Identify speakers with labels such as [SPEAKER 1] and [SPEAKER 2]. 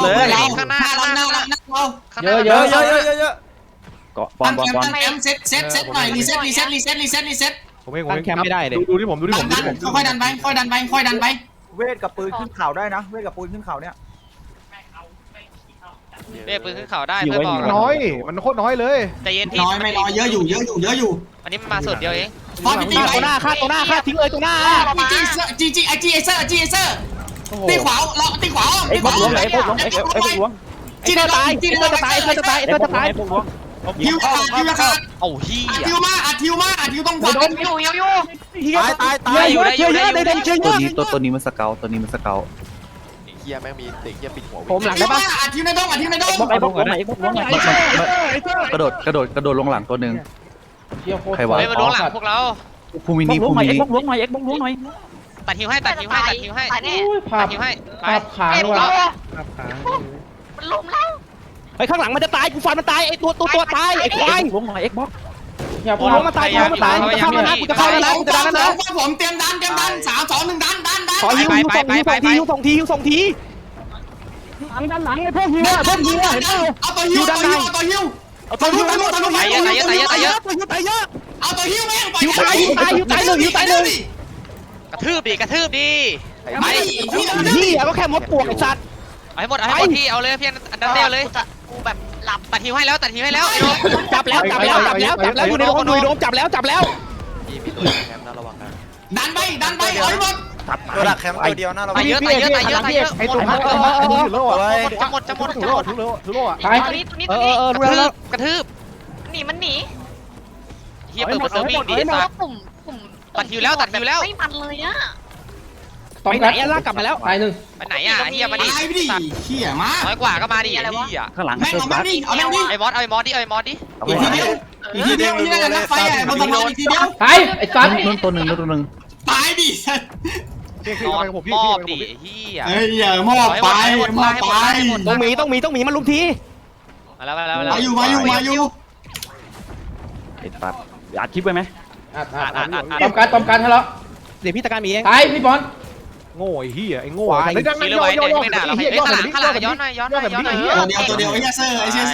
[SPEAKER 1] ข้างหน้าเรา
[SPEAKER 2] เยอะเยอะเยอะเยอะเยอะ
[SPEAKER 3] เกาะบอลบอลบอล
[SPEAKER 4] เซตหน่อยรีเซ็ต
[SPEAKER 2] ผมเอง
[SPEAKER 5] ตั้งแคมป์ไม่ได้เลย
[SPEAKER 2] ดูที่ผมดูที่ผม
[SPEAKER 4] ค่อยดันไป
[SPEAKER 6] เวทกับปืนขึ้นเข่าได้นะเวทกับปืนขึ้นเข่าเนี่ย
[SPEAKER 1] เรียกปืนขึ้นเขาได้เพื่อนบอก
[SPEAKER 2] น้อยมันโคตรน้อยเลย
[SPEAKER 1] ใจเย็นพี่
[SPEAKER 4] น้อยไม่น้อยเยอะอยู่
[SPEAKER 1] อันนี้มันมาสุดเดียวเอง
[SPEAKER 4] พอพี่ตี
[SPEAKER 5] ฆ่าตัวหน้าฆ่าตัวหน้าฆ่าทิ้งเลยตัวหน้า
[SPEAKER 4] จีไอเซอร์ตีขวาเราตีขวา
[SPEAKER 3] ไอ้พวกล้วงไอ้พวกล้วงไอ้พวกล้วง
[SPEAKER 5] จีจะตายจีจะตายจะตาย
[SPEAKER 3] ไอ้พวกล้วง
[SPEAKER 4] ฮิวขาด
[SPEAKER 1] โอ้เฮีย
[SPEAKER 4] ฮิวมาต้องขวา
[SPEAKER 6] ตาย
[SPEAKER 5] เยอะเยอะในเดนเยอะ
[SPEAKER 3] ตัวนี้มันสเกลตัวนี้มันสเกล
[SPEAKER 7] เฮียแม่งมีเด็กเฮียปิดหัว
[SPEAKER 5] ผมหลังได้ปะ
[SPEAKER 4] อัดฮิวในดง
[SPEAKER 3] ไอ้พวกล้วงไอ้พวกล้วงกระโดดลงหลังตัวหนึ่งใครวะ
[SPEAKER 1] เฮ้ยมาล้วงหลังพวกเรา
[SPEAKER 3] ภูมินีภูมินี
[SPEAKER 5] พวกล้วงหน่อยพวกล้วงหน่อย
[SPEAKER 1] ตัดหิวให้
[SPEAKER 2] ภา
[SPEAKER 1] ตั
[SPEAKER 2] พ
[SPEAKER 1] ดหิวให้ไป
[SPEAKER 2] ภาพค้างด้วยภาพค้าง
[SPEAKER 8] มันล้มแล้ว
[SPEAKER 5] ไอ้ข้างหลังมันจะตายกูฟันมันตายไอ้ตัวตายไอ้ควาย
[SPEAKER 3] ล้วงหน่อยเอ็กบ็อก
[SPEAKER 2] อย่า
[SPEAKER 5] กูล้มมาตายกูจะเข้าแล้วนะกูจะเข้าแล้วนะกูจะดันแล้วนะ
[SPEAKER 4] ผมเตรียมดัน3 2 1ดัน
[SPEAKER 5] ขอฮิวส่งทีหลังไอ้พวกฮิวเห็นเปล่า
[SPEAKER 4] เอาตัวฮิว
[SPEAKER 5] เอาตัวฮิว
[SPEAKER 4] ตัวฮิว
[SPEAKER 5] เอาตัวฮิวแม่งฮิวตายหนึ่ง
[SPEAKER 1] กระทืบดิ
[SPEAKER 4] ไป
[SPEAKER 5] นี่ก็แค่มดปวกไอ้สัตว์
[SPEAKER 1] เอาให้หมดพี่เอาเลยพี่อันดับเดียวเลย
[SPEAKER 8] กูแบบหลับ
[SPEAKER 1] ตัดหิวให้แล้วไอ้โดม
[SPEAKER 5] จับแล้วอยู่ในโดมจับแล้ว
[SPEAKER 7] พี่มีตัวแคมป์นะระวังนะ
[SPEAKER 4] ดันไปเอาให้หมด
[SPEAKER 7] ตัวดักแคมป์ตัวเดียวนะระวั
[SPEAKER 1] ตาง ยเยอะ
[SPEAKER 2] ไอ้ตัวนั้นถือโล่อะ
[SPEAKER 1] จะหมด
[SPEAKER 2] ถือโล่ถือโล่อะ
[SPEAKER 5] ตาย
[SPEAKER 8] ตัวนี้
[SPEAKER 5] รู้แล้ว
[SPEAKER 1] กระทืบ
[SPEAKER 8] มันหนี
[SPEAKER 1] เฮียเปิดประตูวิ่งดิ
[SPEAKER 8] เพ
[SPEAKER 1] สั
[SPEAKER 8] ราะ
[SPEAKER 1] ต
[SPEAKER 8] ว่า
[SPEAKER 1] ว์
[SPEAKER 8] ปุ่ม
[SPEAKER 1] ตัดฮิวแล้ว
[SPEAKER 8] ไม่มันเลยอ่ะ
[SPEAKER 5] ไปไหนลากกลับมาแล้ว
[SPEAKER 2] ตายหนึ่ง
[SPEAKER 1] ไปไหนเฮียมาดิ
[SPEAKER 4] ตายไปดิเขี่ยมา
[SPEAKER 1] น้อยกว่าก็มาดิเฮีย
[SPEAKER 3] ข้างหลัง
[SPEAKER 4] แม่งเอาแม่งดิเอาแม่งดิ
[SPEAKER 1] ไอ้มอสดิ
[SPEAKER 4] อีกทีเดียวนี่น่าจะนักไฟบนสะพานอีกทีเดียว
[SPEAKER 2] ตายไอ้สัตว์
[SPEAKER 3] นู่นตัวหนึ่ง
[SPEAKER 4] ตายดิ
[SPEAKER 1] นอนมอบดิเฮีย
[SPEAKER 4] เฮ้ยอย่ามอบไป
[SPEAKER 5] ต้องมีมันลุมที
[SPEAKER 1] มาแล้ว
[SPEAKER 4] มาอยู่
[SPEAKER 3] ไอ้ปัดอัดคลิปไว้ไหม
[SPEAKER 2] ตอมการทะเลาะ
[SPEAKER 5] เดี๋ยวพี่ตะการมีเอง
[SPEAKER 2] ตายพี่บอล
[SPEAKER 6] โง่ไอ้เหี้ยไอ้โง่
[SPEAKER 1] ชี้เลยไว้เด็กไม่ด่าเราข้างหลังย้อนหน่อย
[SPEAKER 4] ตัวเดียวไอ้เซอร์ไอ้เซ